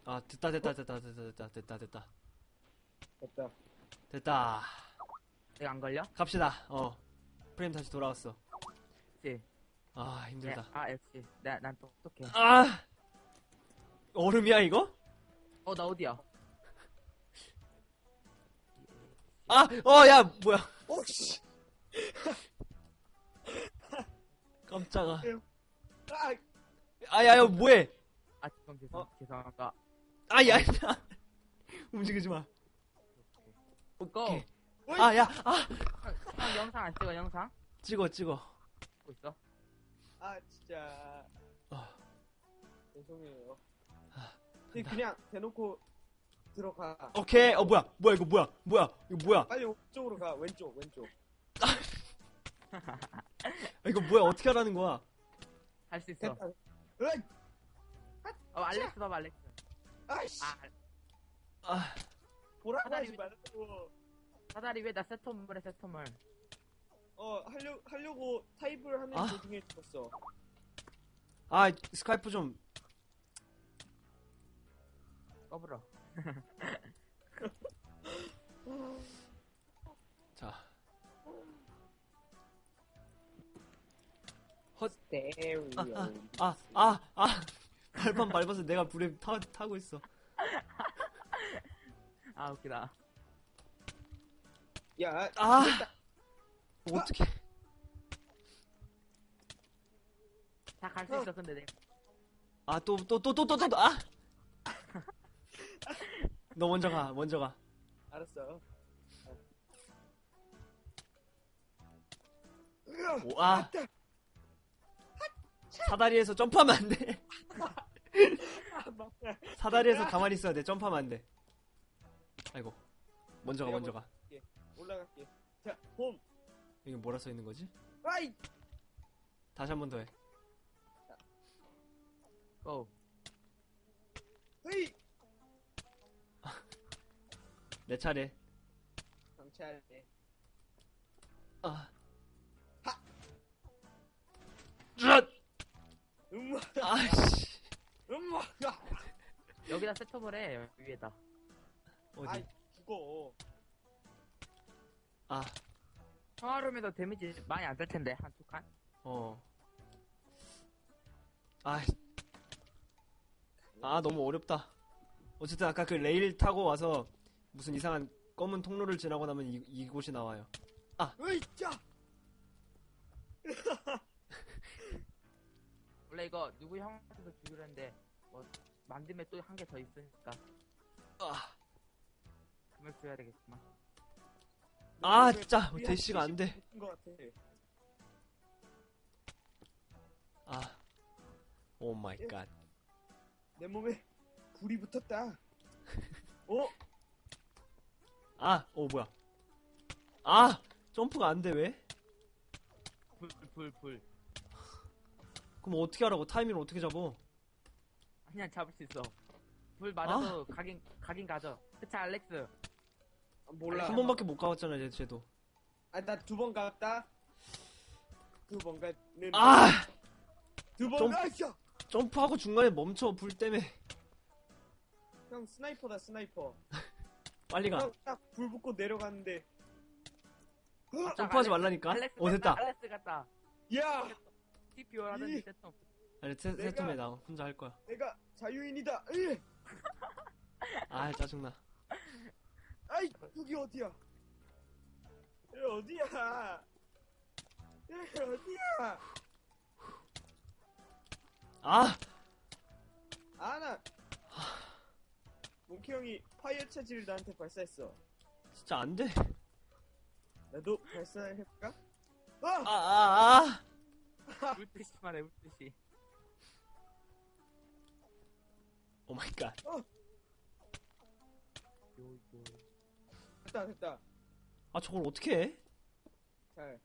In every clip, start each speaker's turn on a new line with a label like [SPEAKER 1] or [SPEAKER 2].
[SPEAKER 1] 아, 됐다.
[SPEAKER 2] 됐다.
[SPEAKER 1] 됐다.
[SPEAKER 3] 내가 안 걸려?
[SPEAKER 1] 갑시다. 프레임 다시 돌아왔어.
[SPEAKER 3] 그치?
[SPEAKER 1] 아, 힘들다.
[SPEAKER 3] 역시. 난 똑똑해.
[SPEAKER 1] 아! 얼음이야, 이거?
[SPEAKER 3] 나 어디야?
[SPEAKER 1] 아! 야, 뭐야.
[SPEAKER 2] 오씨.
[SPEAKER 1] 깜짝아.
[SPEAKER 2] 아,
[SPEAKER 1] 야, 뭐해?
[SPEAKER 3] 죄송합니다.
[SPEAKER 1] 야. 움직이지 마. 오케이.
[SPEAKER 3] 고!
[SPEAKER 1] 야.
[SPEAKER 3] 형 영상 안 찍어, 영상?
[SPEAKER 1] 찍어.
[SPEAKER 3] 찍고 있어?
[SPEAKER 2] 아 진짜.
[SPEAKER 1] 어.
[SPEAKER 2] 죄송해요. 그냥 대놓고 들어가.
[SPEAKER 1] 오케이. 뭐야, 이거 뭐야.
[SPEAKER 2] 빨리 왼쪽으로 가. 왼쪽.
[SPEAKER 1] 이거 뭐야, 어떻게 하라는 거야?
[SPEAKER 3] 할 수 있어.
[SPEAKER 2] 됐다. 으이!
[SPEAKER 3] 알렉스 봐봐, 알렉스.
[SPEAKER 2] 아이씨.
[SPEAKER 1] 아,
[SPEAKER 2] 보라하지 말라고.
[SPEAKER 3] 사다리 왜 나 세톰을 해, 세톰을.
[SPEAKER 2] 하려고 타입을 하는
[SPEAKER 1] 아.
[SPEAKER 2] 도중에 죽었어.
[SPEAKER 1] 스카이프 좀.
[SPEAKER 3] 꺼불어.
[SPEAKER 1] 자.
[SPEAKER 2] 스테리오.
[SPEAKER 1] 발판 밟아서 내가 불에 타고 있어.
[SPEAKER 3] 웃기다.
[SPEAKER 2] 야,
[SPEAKER 1] 어떻게?
[SPEAKER 3] 다 갈 수 있어, 근데 내가.
[SPEAKER 1] 또. 너 먼저 가.
[SPEAKER 2] 알았어.
[SPEAKER 1] 사다리에서 점프하면 안 돼. 사다리에서 가만히 있어야 돼. 점프하면 안 돼. 아이고. 먼저 가.
[SPEAKER 2] 올라갈게. 자, 홈.
[SPEAKER 1] 이게 뭐라 써 있는 거지?
[SPEAKER 2] 아이.
[SPEAKER 1] 다시 한 번 더 해.
[SPEAKER 3] 고.
[SPEAKER 2] 헤이.
[SPEAKER 1] 내 차례.
[SPEAKER 2] 경찰에. 음마.
[SPEAKER 1] 아이씨.
[SPEAKER 2] 음마.
[SPEAKER 3] 여기다 세톰을 해, 위에다.
[SPEAKER 1] 어디?
[SPEAKER 2] 아이, 죽어.
[SPEAKER 3] 평화로움에도 데미지 많이 안 될 텐데, 한 두 칸?
[SPEAKER 1] 너무 어렵다. 어쨌든 아까 그 레일 타고 와서 무슨 이상한 검은 통로를 지나고 나면 이곳이 나와요.
[SPEAKER 2] 으이짜.
[SPEAKER 3] 원래 이거 누구 형한테도 주기로 했는데, 만듦에 또 한 개 더 있으니까. 금을 줘야 되겠구만.
[SPEAKER 1] 진짜 대시가 안 돼. 오 마이 갓.
[SPEAKER 2] 내 몸에 불이 붙었다.
[SPEAKER 1] 뭐야. 점프가 안 돼, 왜?
[SPEAKER 3] 불.
[SPEAKER 1] 그럼 어떻게 하라고? 타이밍을 어떻게 잡어?
[SPEAKER 3] 그냥 잡을 수 있어. 불 맞아도 가긴 가죠. 그치, 알렉스?
[SPEAKER 2] 몰라.
[SPEAKER 1] 한 번밖에 못 가봤잖아, 쟤도.
[SPEAKER 2] 나 두 번 갔다. 두 번 갔는. 두 번
[SPEAKER 1] 좀-
[SPEAKER 2] 갔어.
[SPEAKER 1] 점프하고 중간에 멈춰, 불 때문에.
[SPEAKER 2] 형 스나이퍼다, 스나이퍼.
[SPEAKER 1] 빨리 가.
[SPEAKER 2] 형 딱 불 붙고 내려갔는데.
[SPEAKER 1] 점프하지 말라니까?
[SPEAKER 3] 알렉스
[SPEAKER 1] 됐다.
[SPEAKER 3] 알렉스 갔다.
[SPEAKER 2] 야,
[SPEAKER 3] TPO 하던지 세톰.
[SPEAKER 1] 아니, 세톰에 나 혼자 할 거야.
[SPEAKER 2] 내가 자유인이다.
[SPEAKER 1] 짜증나.
[SPEAKER 2] 아이, 여기 어디야? 여기 어디야? 여기 어디야? 나 몽키 형이 파이어 차지를 나한테 발사했어.
[SPEAKER 1] 진짜 안 돼.
[SPEAKER 2] 나도 발사해볼까?
[SPEAKER 3] 물뜻이만 해, 물뜻이.
[SPEAKER 1] 오 마이 갓.
[SPEAKER 2] 됐다.
[SPEAKER 1] 저걸 어떻게 해?
[SPEAKER 2] 잘.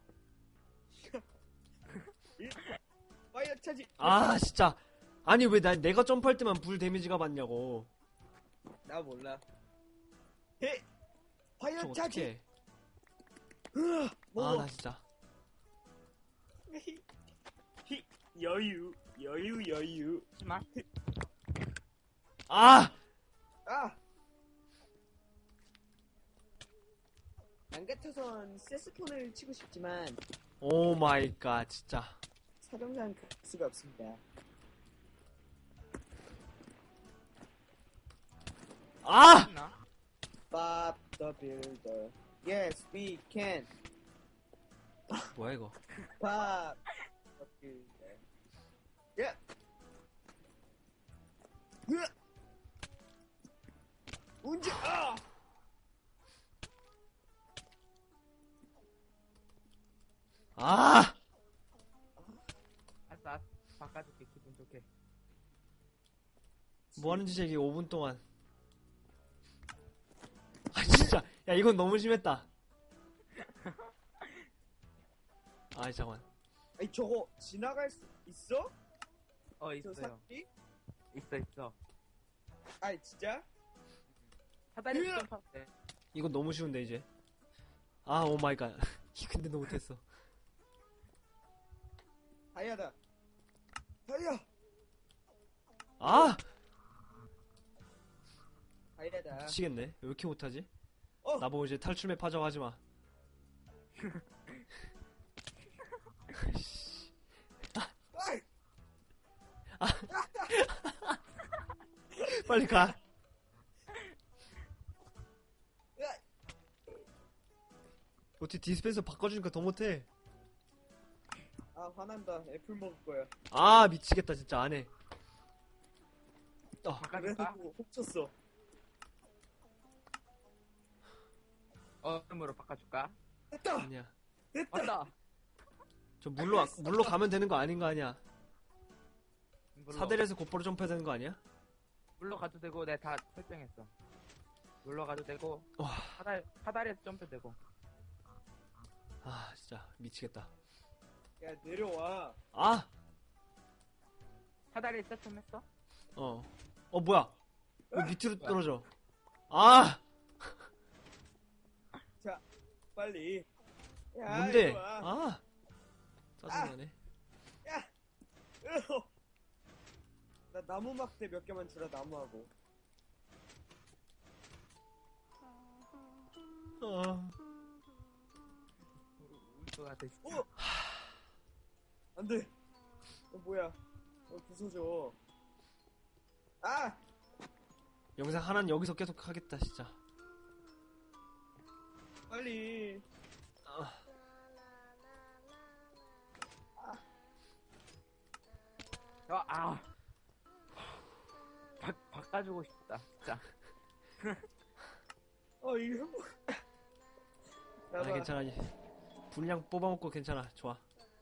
[SPEAKER 2] 파이어 차지.
[SPEAKER 1] 진짜. 아니, 왜 내가 점프할 때만 불 데미지가 받냐고.
[SPEAKER 2] 나 몰라. 파이어
[SPEAKER 1] 저거
[SPEAKER 2] 차지.
[SPEAKER 1] 어떻게 해?
[SPEAKER 2] 뭐.
[SPEAKER 1] 나 진짜.
[SPEAKER 2] 여유.
[SPEAKER 3] 하지마.
[SPEAKER 1] 아!
[SPEAKER 2] 아! 안 같아선 세스폰을 치고 싶지만
[SPEAKER 1] 오 마이 갓, 진짜.
[SPEAKER 2] 사정상 갈 수가 없습니다.
[SPEAKER 1] 아!
[SPEAKER 3] 있나?
[SPEAKER 2] Bob the Builder. Yes, we can.
[SPEAKER 1] 뭐야, 이거.
[SPEAKER 2] Bob the Builder. 예. 으악! 언제? 아!
[SPEAKER 1] 아!
[SPEAKER 3] 알았어, 알았어. 바꿔줄게, 기분 좋게.
[SPEAKER 1] 뭐 하는 짓이야, 이게 5분 동안. 아, 진짜. 야, 이건 너무 심했다. 아, 잠깐만.
[SPEAKER 2] 아니 저거 지나갈 수 있어? 저
[SPEAKER 3] 있어요.
[SPEAKER 2] 사람이?
[SPEAKER 3] 있어.
[SPEAKER 2] 아니 진짜?
[SPEAKER 3] 사다리
[SPEAKER 2] 으악!
[SPEAKER 3] 점프할 때.
[SPEAKER 1] 이건 너무 쉬운데, 이제. 아, 오 마이 갓. 근데 너 못했어.
[SPEAKER 2] 다이아다. 다이아.
[SPEAKER 1] 아!
[SPEAKER 2] 다이아다.
[SPEAKER 1] 미치겠네. 왜 이렇게 못하지?
[SPEAKER 2] 어.
[SPEAKER 1] 나보고 이제 탈출맵 하자고 하지 마.
[SPEAKER 2] 아이!
[SPEAKER 1] 빨리 가.
[SPEAKER 2] 으악!
[SPEAKER 1] 어떻게 디스펜서 바꿔주니까 더 못해.
[SPEAKER 2] 아 화난다. 애플 먹을 거야.
[SPEAKER 1] 아, 미치겠다, 진짜. 안 해.
[SPEAKER 3] 바꿔줄까?
[SPEAKER 2] 그래가지고 훔쳤어.
[SPEAKER 3] 얼음으로 바꿔줄까?
[SPEAKER 2] 됐다.
[SPEAKER 1] 아니야.
[SPEAKER 2] 됐다.
[SPEAKER 3] 왔다.
[SPEAKER 1] 저 물로 가면 되는 거 아닌 거 아니야?
[SPEAKER 3] 물로,
[SPEAKER 1] 사대리에서 곧바로 점프해야 되는 거 아니야?
[SPEAKER 3] 물로 가도 되고, 내가 다 설정했어. 물로 가도 되고,
[SPEAKER 1] 와.
[SPEAKER 3] 사다리에서 점프 되고.
[SPEAKER 1] 아, 진짜. 미치겠다.
[SPEAKER 2] 야 내려와.
[SPEAKER 1] 아!
[SPEAKER 3] 사다리에 세팅했어?
[SPEAKER 1] 뭐야? 왜 밑으로 떨어져? 아!
[SPEAKER 2] 자 빨리. 야,
[SPEAKER 1] 뭔데?
[SPEAKER 2] 이리 와.
[SPEAKER 1] 아! 짜증나네.
[SPEAKER 2] 으어. 나 나무 막대 몇 개만 주라. 나무하고.
[SPEAKER 1] 아.
[SPEAKER 3] 울것 같아, 진짜.
[SPEAKER 2] 어. 안돼. 뭐야? 부서져. 아!
[SPEAKER 1] 영상 하나는 여기서 계속 하겠다, 진짜.
[SPEAKER 2] 빨리.
[SPEAKER 1] 아.
[SPEAKER 3] 바꿔주고 싶다, 진짜.
[SPEAKER 2] 이거 뭐.
[SPEAKER 1] 아니, 괜찮아. 분량 뽑아먹고 괜찮아. 좋아.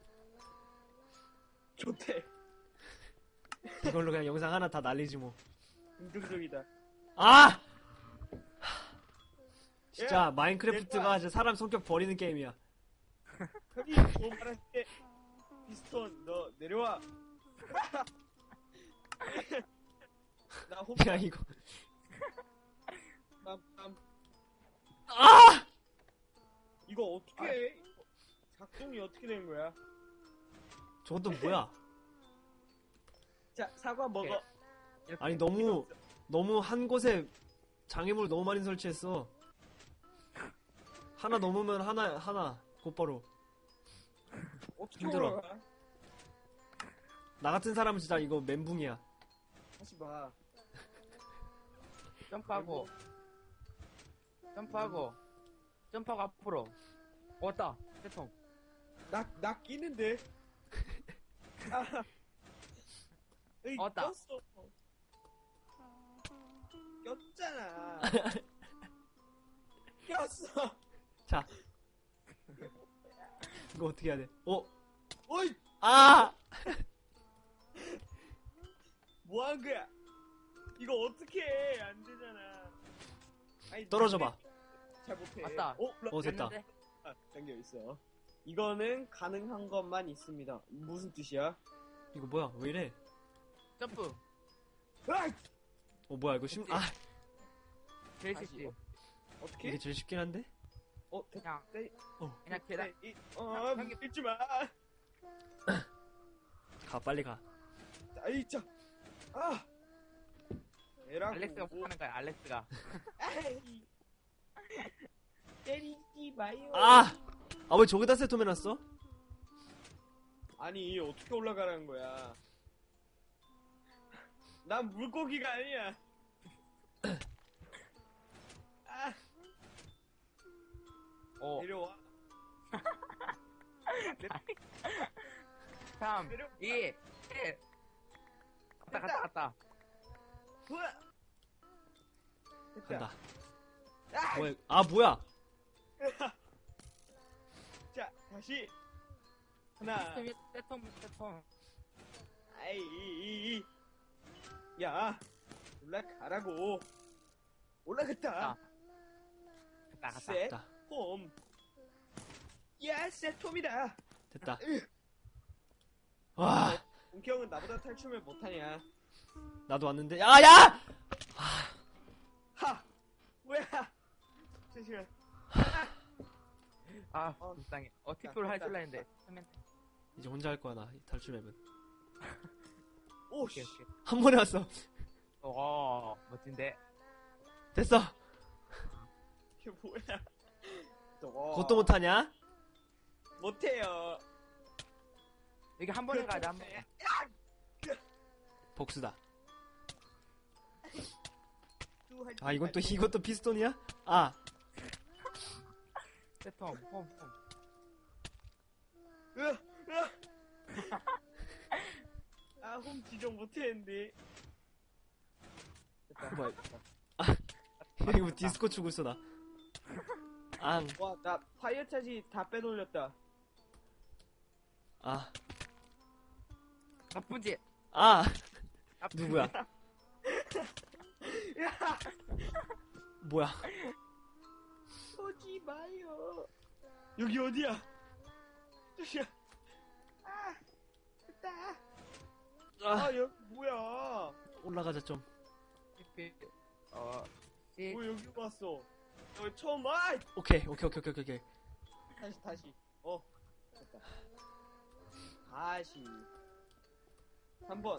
[SPEAKER 2] 좋대.
[SPEAKER 1] 이걸로 그냥 영상 하나 다 날리지 뭐.
[SPEAKER 2] 긍정적이다.
[SPEAKER 1] 아! 진짜
[SPEAKER 2] 야,
[SPEAKER 1] 마인크래프트가 이제 사람 성격 버리는 게임이야.
[SPEAKER 2] 형이 뭐 말할게. 피스톤 너 내려와. 나 혼자
[SPEAKER 1] 야, 이거.
[SPEAKER 2] 빰빰.
[SPEAKER 1] 아!
[SPEAKER 2] 이거 어떻게 해? 작동이 어떻게 되는 거야?
[SPEAKER 1] 저것도 뭐야?
[SPEAKER 2] 자 사과 먹어.
[SPEAKER 1] 아니, 너무 한 곳에 장애물을 너무 많이 설치했어. 하나 넘으면 하나 곧바로.
[SPEAKER 2] 어떻게
[SPEAKER 1] 힘들어.
[SPEAKER 2] 올라가?
[SPEAKER 1] 나 같은 사람은 진짜 이거 멘붕이야.
[SPEAKER 2] 다시 봐.
[SPEAKER 3] 점프하고, 점프하고 앞으로. 왔다, 세통.
[SPEAKER 2] 나 끼는데. 아. 에이,
[SPEAKER 3] 왔다.
[SPEAKER 2] 꼈어. 꼈잖아. 꼈어.
[SPEAKER 1] 자. 이거 어떻게 해야 돼?
[SPEAKER 2] 어이,
[SPEAKER 1] 아!
[SPEAKER 2] 뭐 한 거야? 이거 어떻게 해? 안 되잖아. 아니,
[SPEAKER 1] 떨어져봐.
[SPEAKER 2] 잘 못해.
[SPEAKER 3] 왔다.
[SPEAKER 1] 됐다.
[SPEAKER 3] 됐는데?
[SPEAKER 2] 당겨 있어. 이거는 가능한 것만 있습니다. 무슨 뜻이야?
[SPEAKER 1] 이거 뭐야? 왜 이래?
[SPEAKER 3] 점프.
[SPEAKER 2] 으악!
[SPEAKER 1] 뭐야, 이거
[SPEAKER 3] 제일
[SPEAKER 2] 다시,
[SPEAKER 3] 쉽지.
[SPEAKER 2] 어떻게?
[SPEAKER 1] 이게 제일 쉽긴 한데?
[SPEAKER 3] 그냥,
[SPEAKER 1] 어.
[SPEAKER 3] 그냥 계단.
[SPEAKER 2] 믿지 마.
[SPEAKER 1] 가, 빨리 가.
[SPEAKER 2] 아이, 자. 아. 에라고.
[SPEAKER 3] 알렉스가 못하는 거야, 알렉스가.
[SPEAKER 2] 아이. 때리지 마요.
[SPEAKER 1] 아 왜 저기다 세톰해놨어?
[SPEAKER 2] 아니 어떻게 올라가라는 거야? 난 물고기가 아니야. 아,
[SPEAKER 3] 어,
[SPEAKER 2] 내려와.
[SPEAKER 3] 3, 2, 1. 갔다.
[SPEAKER 2] 우와. 됐다.
[SPEAKER 1] 간다.
[SPEAKER 2] 아,
[SPEAKER 1] 뭐야?
[SPEAKER 2] 자, 다시. 하나.
[SPEAKER 3] 세톰.
[SPEAKER 2] 아이. 야, 올라가라고. 올라갔다.
[SPEAKER 3] 갔다.
[SPEAKER 2] 셋,
[SPEAKER 1] 됐다.
[SPEAKER 2] 홈. 야, 세톰이다.
[SPEAKER 1] 됐다. 와
[SPEAKER 2] 동경은 나보다 탈춤을 못하냐?
[SPEAKER 1] 나도 왔는데 야!
[SPEAKER 2] 하! 뭐야? 잠시만.
[SPEAKER 3] 불쌍해. 틱토를 할 줄 알았는데.
[SPEAKER 1] 이제 혼자 할 거야 나 탈출 맵은.
[SPEAKER 2] 오,
[SPEAKER 3] 오케이.
[SPEAKER 2] 씨.
[SPEAKER 1] 한 번에 왔어.
[SPEAKER 3] 멋진데.
[SPEAKER 1] 됐어.
[SPEAKER 2] 이게 뭐야?
[SPEAKER 1] 그것도 못하냐?
[SPEAKER 2] 못해요.
[SPEAKER 3] 여기 한 번에 가자, 한 번에.
[SPEAKER 1] 복수다.
[SPEAKER 2] 아,
[SPEAKER 1] 이것도 피스톤이야?
[SPEAKER 3] 세톰, 홈.
[SPEAKER 2] 홈 지정 못했는데.
[SPEAKER 1] 뭐야? 이거 뭐 디스코 추고 있어 나.
[SPEAKER 2] 와, 나 파이어 차지 다 빼돌렸다.
[SPEAKER 3] 나쁜 짓.
[SPEAKER 1] 누구야?
[SPEAKER 2] 야,
[SPEAKER 1] 뭐야?
[SPEAKER 2] 오지 마요. 여기 어디야? 저기야. 됐다. 여기 뭐야?
[SPEAKER 1] 올라가자 좀.
[SPEAKER 2] 뭐 여기 왔어? 여기 처음 와.
[SPEAKER 1] 오케이.
[SPEAKER 2] 다시. 됐다. 다시. 3번.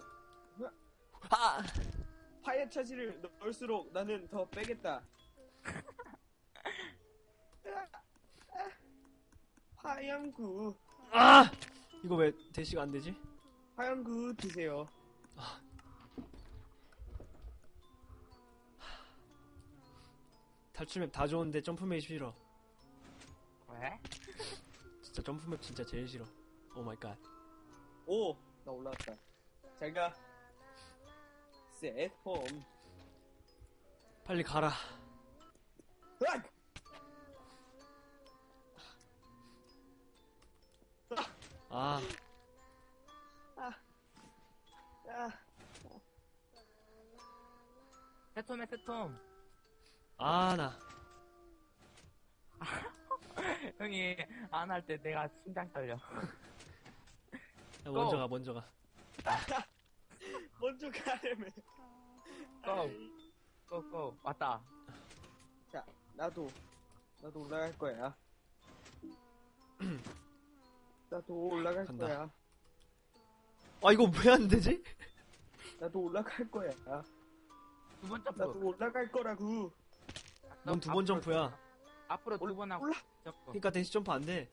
[SPEAKER 2] 파이어 차지를 넣을수록 나는 더 빼겠다. 화양구.
[SPEAKER 1] 이거 왜 대시가 안 되지?
[SPEAKER 2] 화양구 드세요.
[SPEAKER 1] 탈출맵 다 좋은데 점프맵이 싫어.
[SPEAKER 3] 왜?
[SPEAKER 1] 진짜 점프맵 진짜 제일 싫어. 오 마이 갓.
[SPEAKER 2] 오, 나 올라왔다. 잘 가. 셋, 홈.
[SPEAKER 1] 빨리 가라.
[SPEAKER 2] 으악!
[SPEAKER 1] 아,
[SPEAKER 3] 세톰.
[SPEAKER 1] 나.
[SPEAKER 3] 형이 안 할 때 내가 심장 떨려.
[SPEAKER 1] 야, 먼저 가.
[SPEAKER 2] 먼저 가려면.
[SPEAKER 3] 고. 왔다.
[SPEAKER 2] 자, 나도 올라갈 거야. 나도 올라갈
[SPEAKER 1] 간다.
[SPEAKER 2] 거야.
[SPEAKER 1] 이거 왜 안 되지?
[SPEAKER 2] 나도 올라갈 거야.
[SPEAKER 3] 두 번 점프.
[SPEAKER 2] 나도 올라갈 거라고.
[SPEAKER 1] 넌 두 번 점프야.
[SPEAKER 3] 앞으로 두 번 하고
[SPEAKER 2] 올라.
[SPEAKER 3] 점프.
[SPEAKER 1] 그러니까 대시 점프 안 돼.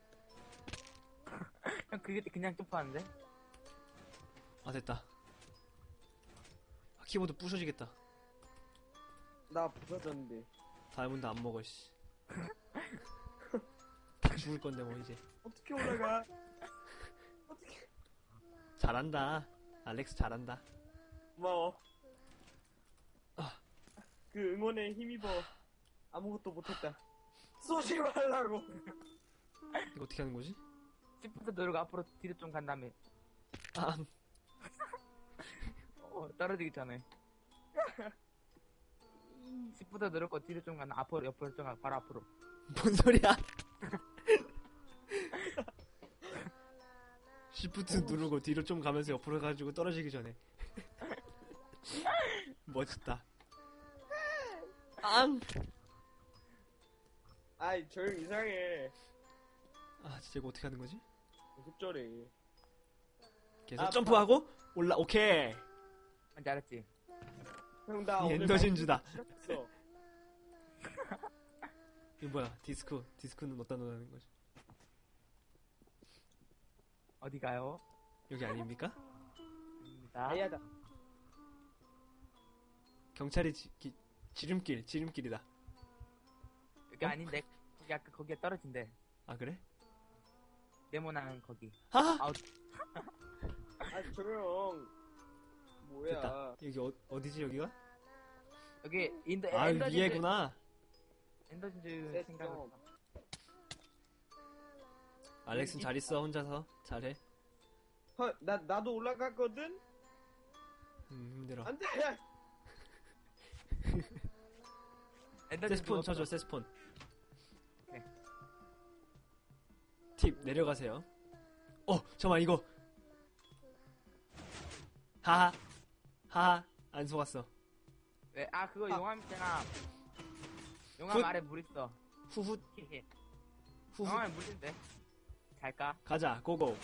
[SPEAKER 3] 형 그게 그냥 점프하는데?
[SPEAKER 1] 됐다. 키보드 부셔지겠다.
[SPEAKER 2] 나 부서졌는데.
[SPEAKER 1] 다이아몬드 안 먹어, 씨. 다 죽을 건데, 뭐, 이제.
[SPEAKER 2] 어떻게 올라가? 어떻게?
[SPEAKER 1] 잘한다. 알렉스 잘한다.
[SPEAKER 2] 고마워. 그 응원에 힘입어. 아무것도 못했다. 쏘지 말라고.
[SPEAKER 1] 이거 어떻게 하는 거지?
[SPEAKER 3] 시프트 누르고 앞으로 뒤로 좀 간 다음에 떨어지기 전에 시프트 누르고 뒤로 좀 간 앞으로 옆으로 좀 가 바로 앞으로.
[SPEAKER 1] 뭔 소리야? 시프트 누르고 뒤로 좀 가면서 옆으로 가지고 떨어지기 전에. 멋있다.
[SPEAKER 2] 아이, 저 형 이상해.
[SPEAKER 1] 진짜 이거 어떻게 하는 거지?
[SPEAKER 2] 급절해.
[SPEAKER 1] 계속 점프하고 오케이.
[SPEAKER 3] 뭔지 알았지?
[SPEAKER 2] 형, 나
[SPEAKER 1] 이
[SPEAKER 2] 오늘
[SPEAKER 1] 엔더 진주다.
[SPEAKER 2] 시작했어.
[SPEAKER 1] 이거 뭐야? 디스크는 어디다 넣는 거지?
[SPEAKER 3] 어디 가요?
[SPEAKER 1] 여기 아닙니까?
[SPEAKER 3] 입니다.
[SPEAKER 2] 아야다.
[SPEAKER 1] 경찰이 지름길이다.
[SPEAKER 3] 여기 아닌데 거기 아까 거기에 떨어진대.
[SPEAKER 1] 아 그래?
[SPEAKER 3] 네모난 거기.
[SPEAKER 1] 아!
[SPEAKER 3] 아우
[SPEAKER 2] 아, 조용. 뭐야.
[SPEAKER 1] 됐다. 여기 어디지 여기가?
[SPEAKER 3] 여기
[SPEAKER 1] 아
[SPEAKER 3] 엔더 진주
[SPEAKER 1] 위에구나.
[SPEAKER 3] 엔더 진주
[SPEAKER 2] 됐어.
[SPEAKER 3] 생각을.
[SPEAKER 1] 알렉슨 잘 있어 혼자서 잘해.
[SPEAKER 2] 나도 올라갔거든?
[SPEAKER 1] 힘들어.
[SPEAKER 2] 안 돼!
[SPEAKER 3] 엔더 진주
[SPEAKER 1] 세스폰 쳐줘 세스폰.
[SPEAKER 3] 네.
[SPEAKER 1] 팁 내려가세요. 잠깐만 이거. 하하 안 속았어.
[SPEAKER 3] 왜? 아 그거
[SPEAKER 2] 아.
[SPEAKER 3] 용암 있잖아. 용암
[SPEAKER 1] 훗.
[SPEAKER 3] 아래 물 있어.
[SPEAKER 1] 후훗 후훗.
[SPEAKER 3] 용암에 물 있는데. 잘까?
[SPEAKER 1] 가자 고고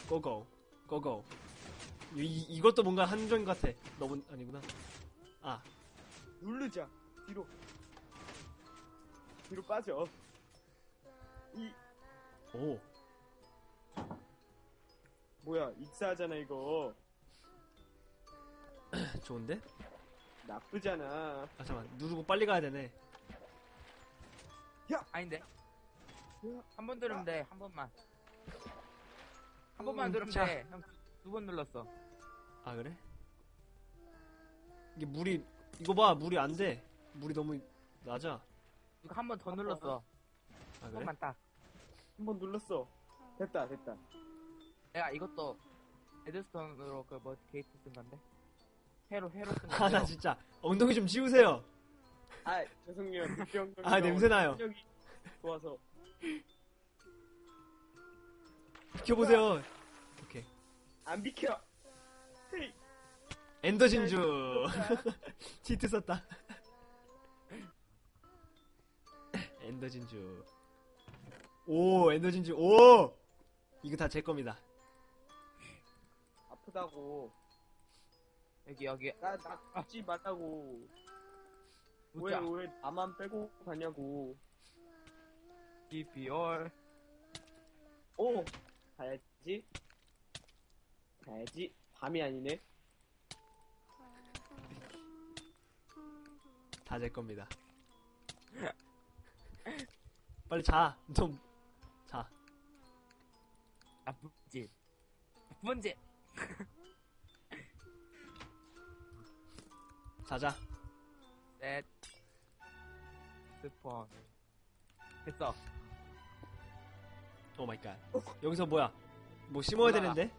[SPEAKER 1] 이것도 뭔가 한정 같아. 너무 아니구나. 아
[SPEAKER 2] 누르자. 뒤로 빠져.
[SPEAKER 1] 오.
[SPEAKER 2] 뭐야, 익사하잖아, 이거.
[SPEAKER 1] 좋은데?
[SPEAKER 2] 나쁘잖아.
[SPEAKER 1] 아 잠깐 누르고 빨리 가야 되네.
[SPEAKER 3] 아닌데.
[SPEAKER 2] 뭐야?
[SPEAKER 3] 한 번 누르면 돼. 한 번만. 한 번만 누르면
[SPEAKER 1] 자.
[SPEAKER 3] 돼. 형 두 번 눌렀어.
[SPEAKER 1] 아 그래? 이게 이거 봐 물이 안 돼. 물이 너무 낮아.
[SPEAKER 3] 이거 한 번 더 눌렀어.
[SPEAKER 1] 아
[SPEAKER 3] 한
[SPEAKER 1] 그래?
[SPEAKER 3] 번만 딱.
[SPEAKER 2] 한 번 눌렀어. 됐다.
[SPEAKER 3] 내가 이것도 에드스톤으로 그 뭐 게이트 쓴 건데. 회로 쓴 건데.
[SPEAKER 1] 아 나 진짜 엉덩이 좀 치우세요.
[SPEAKER 2] 아, 죄송해요. 늑병
[SPEAKER 1] 아, 냄새나요.
[SPEAKER 2] 실력이 좋아서.
[SPEAKER 1] 비켜보세요. 오케이.
[SPEAKER 2] 안 비켜. 헤이.
[SPEAKER 1] 엔더 진주. 치트 썼다. 엔더 진주. 오 엔더 진주. 오 이거 다 제 겁니다.
[SPEAKER 2] 아프다고.
[SPEAKER 3] 여기
[SPEAKER 2] 나 죽지 말라고.
[SPEAKER 3] 웃자.
[SPEAKER 2] 왜 나만 빼고 가냐고.
[SPEAKER 3] DPR.
[SPEAKER 2] 오! 가야지. 밤이 아니네.
[SPEAKER 1] 다 제 겁니다. 빨리 자. 좀 자.
[SPEAKER 3] 나쁜 짓. 나쁜 짓.
[SPEAKER 1] 자자.
[SPEAKER 3] 셋. 스폰. 됐어.
[SPEAKER 1] 오 마이 갓. 여기서 뭐야? 뭐 심어야
[SPEAKER 3] 올라가.
[SPEAKER 1] 되는데?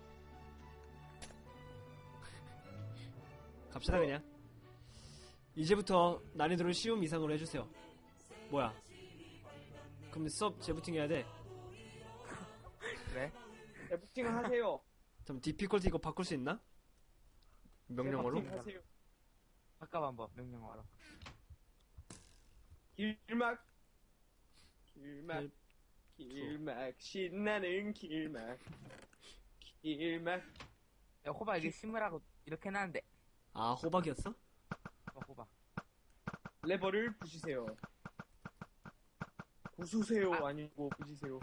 [SPEAKER 1] 갑시다 그냥. 이제부터 난이도를 쉬움 이상으로 해주세요. 뭐야? 그럼 수업 재부팅 해야 돼.
[SPEAKER 3] 그래?
[SPEAKER 2] 부팅 하세요.
[SPEAKER 1] 그럼 디피컬티 이거 바꿀 수 있나? 명령어로?
[SPEAKER 2] 부팅 하세요.
[SPEAKER 3] 바꿔 한번 명령어로.
[SPEAKER 2] 길막.
[SPEAKER 1] 일-
[SPEAKER 2] 신나는 길막.
[SPEAKER 3] 야, 호박 이게 심으라고 이렇게 해놨는데.
[SPEAKER 1] 아 호박이었어?
[SPEAKER 3] 호박.
[SPEAKER 2] 레버를 부시세요. 부수세요. 아니고 부시세요.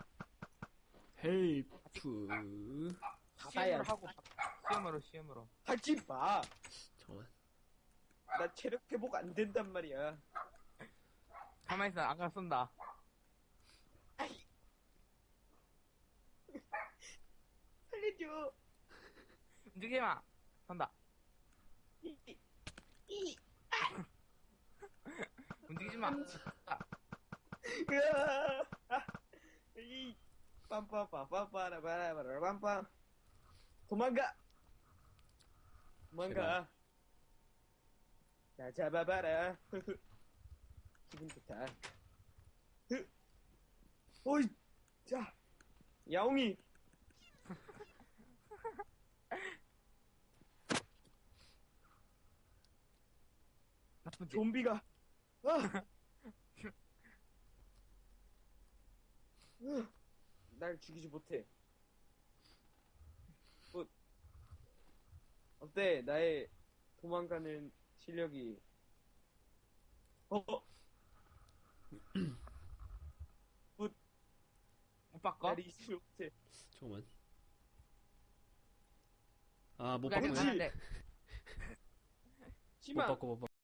[SPEAKER 1] 헬프.
[SPEAKER 2] 받아야
[SPEAKER 3] 시험으로 하고 시험으로.
[SPEAKER 2] 하지 마.
[SPEAKER 1] 잠깐만.
[SPEAKER 2] 나 체력 회복 안 된단 말이야.
[SPEAKER 3] 가만히 있어. 안 가 쏜다.
[SPEAKER 2] 살려줘.
[SPEAKER 3] 움직이지 마. 선다. 움직이지 마.
[SPEAKER 2] 빰빰빰빰빰빰빰빰빰. 도망가. 나 잡아봐라. 기분 좋다. 어이, 자, 야옹이.
[SPEAKER 3] 나쁜 짓.
[SPEAKER 2] 좀비가. 날 죽이지 못해. 어때? 나의 도망가는 실력이 어,
[SPEAKER 3] 못 바꿔?
[SPEAKER 2] 나리 25세.
[SPEAKER 1] 잠깐만. 아, 못
[SPEAKER 3] 그게 아니라
[SPEAKER 1] 바꾸지.
[SPEAKER 3] 가는데.
[SPEAKER 1] 못
[SPEAKER 2] 심한
[SPEAKER 1] 바꿔, 못 바꿔.